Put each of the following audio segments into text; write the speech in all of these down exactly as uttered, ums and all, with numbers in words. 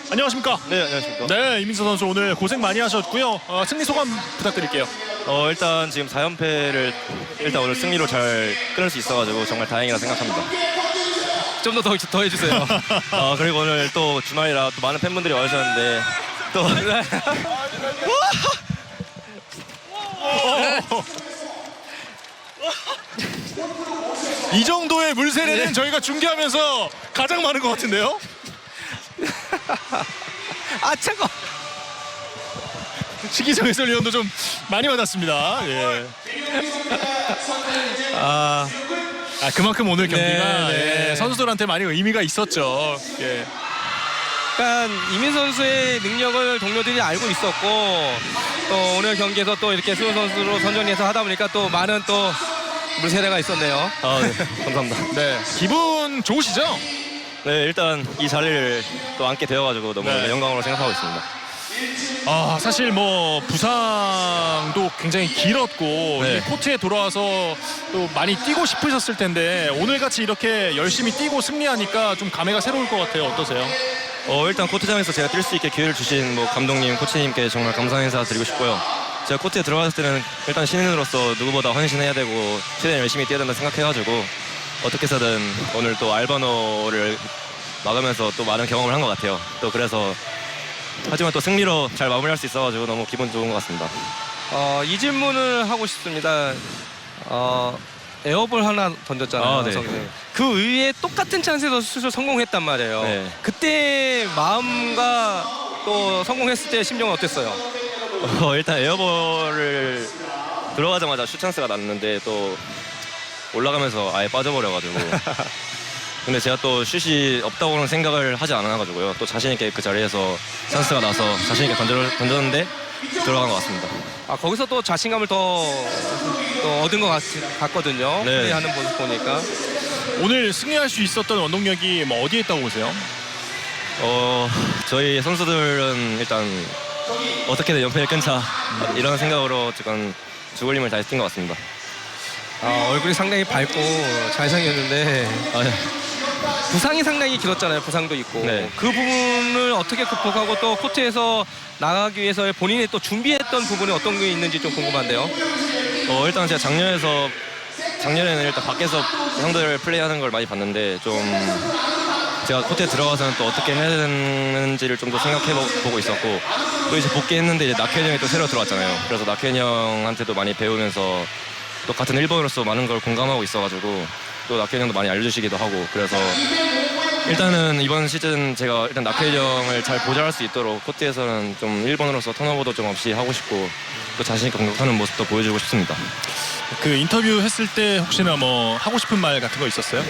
안녕하십니까? 네, 안녕하십니까? 네, 이민서 선수 오늘 고생 많이 하셨고요. 어, 승리 소감 부탁드릴게요. 어, 일단 지금 사 연패를 일단 오늘 승리로 잘 끊을 수 있어가지고 정말 다행이라 생각합니다. 좀 더 더 더 해주세요. 어, 그리고 오늘 또 주말이라 또 많은 팬분들이 와주셨는데 또 이 정도의 물세례는 네. 저희가 중계하면서 가장 많은 것 같은데요? 아 차가. 시기정 해설위원도 좀 많이 받았습니다. 예. 아, 아, 그만큼 오늘 경기가 네, 네. 예, 선수들한테 많이 의미가 있었죠. 예. 약간 이민 선수의 능력을 동료들이 알고 있었고 또 오늘 경기에서 또 이렇게 수훈 선수로 선정해서 하다 보니까 또 많은 또 물세례가 있었네요. 아, 네, 감사합니다. 네, 기분 좋으시죠? 네, 일단 이 자리를 또 앉게 되어가지고 너무 네. 영광으로 생각하고 있습니다. 아, 사실 뭐 부상도 굉장히 길었고 네. 이 코트에 돌아와서 또 많이 뛰고 싶으셨을 텐데 오늘같이 이렇게 열심히 뛰고 승리하니까 좀 감회가 새로울 것 같아요. 어떠세요? 어, 일단 코트장에서 제가 뛸 수 있게 기회를 주신 뭐 감독님, 코치님께 정말 감사 인사 드리고 싶고요. 제가 코트에 들어갔을 때는 일단 신인으로서 누구보다 헌신해야 되고 최대한 열심히 뛰어야 된다 생각해가지고 어떻게 해서든 오늘 또 알바노를 막으면서 또 많은 경험을 한 것 같아요. 또 그래서 하지만 또 승리로 잘 마무리할 수 있어가지고 너무 기분 좋은 것 같습니다. 어, 이 질문을 하고 싶습니다. 어, 에어볼 하나 던졌잖아요. 아, 네. 성균이. 그 위에 똑같은 찬스에서 수술 성공했단 말이에요. 네. 그때 마음과 또 성공했을 때 심정은 어땠어요? 어, 일단 에어볼을 들어가자마자 슛 찬스가 났는데 또 올라가면서 아예 빠져버려가지고 근데 제가 또 슛이 없다고는 생각을 하지 않아가지고요. 또 자신 있게 그 자리에서 찬스가 나서 자신 있게 던져, 던졌는데 들어간 것 같습니다. 아, 거기서 또 자신감을 더, 또 얻은 것 같, 같거든요. 네. 플레이하는 모습 보니까. 오늘 승리할 수 있었던 원동력이 뭐 어디에 있다고 보세요? 어, 저희 선수들은 일단 어떻게든 연패를 끊자 이런 생각으로 지금 죽을 힘을 다해서 뛴 것 같습니다. 아, 얼굴이 상당히 밝고 잘생겼는데 아, 네. 부상이 상당히 길었잖아요. 부상도 있고. 네. 그 부분을 어떻게 극복하고 또 코트에서 나가기 위해서 본인이 또 준비했던 부분이 어떤 게 있는지 좀 궁금한데요. 어, 일단 제가 작년에서 작년에는 일단 밖에서 형들 플레이하는 걸 많이 봤는데 좀 제가 코트에 들어가서는 또 어떻게 해야 되는지를 좀 더 생각해 보고 있었고 또 이제 복귀했는데 이제 낙현 형이 또 새로 들어왔잖아요. 그래서 낙현 형한테도 많이 배우면서 또 같은 일본으로서 많은 걸 공감하고 있어가지고 또 낙현 형도 많이 알려주시기도 하고 그래서 일단은 이번 시즌 제가 일단 낙현 형을 잘 보좌할 수 있도록 코트에서는 좀 일본으로서 턴오버도 좀 없이 하고 싶고 또 자신 있게 공격하는 모습도 보여주고 싶습니다. 그 인터뷰 했을 때 혹시나 뭐 하고 싶은 말 같은 거 있었어요?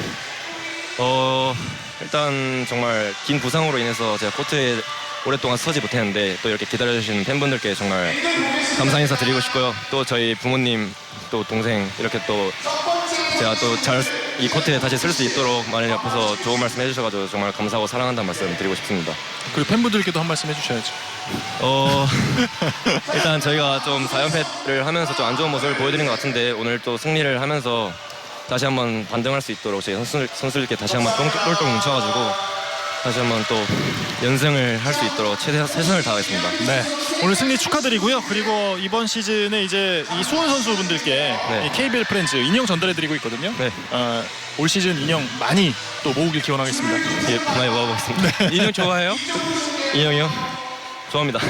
어, 일단 정말 긴 부상으로 인해서 제가 코트에 오랫동안 서지 못했는데 또 이렇게 기다려주신 팬분들께 정말 감사 인사 드리고 싶고요. 또 저희 부모님 또 동생 이렇게 또 제가 또 잘 이 코트에 다시 쓸 수 있도록 많이 옆에서 좋은 말씀 해주셔가지고 정말 감사하고 사랑한다는 말씀 드리고 싶습니다. 그리고 팬분들께도 한 말씀 해주셔야죠. 어, 일단 저희가 좀 사 연패를 하면서 좀 안 좋은 모습을 보여드린 것 같은데 오늘 또 승리를 하면서 다시 한번 반등할 수 있도록 저희 선수, 선수들께 다시 한번 똘똘 뭉쳐가지고 다시 한번 또 연승을 할 수 있도록 최대 최선을 다하겠습니다. 네, 오늘 승리 축하드리고요. 그리고 이번 시즌에 이제 이 수원 선수분들께 네. 이 케이비엘 프렌즈 인형 전달해드리고 있거든요. 네. 어, 올 시즌 인형 많이 또 모으길 기원하겠습니다. 예, 많이 모아보겠습니다. 인형 좋아해요? 인형이요? 좋아합니다.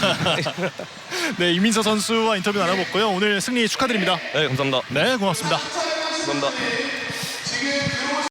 네, 이민서 선수와 인터뷰 나눠봤고요. 오늘 승리 축하드립니다. 네, 감사합니다. 네, 고맙습니다. 감사합니다.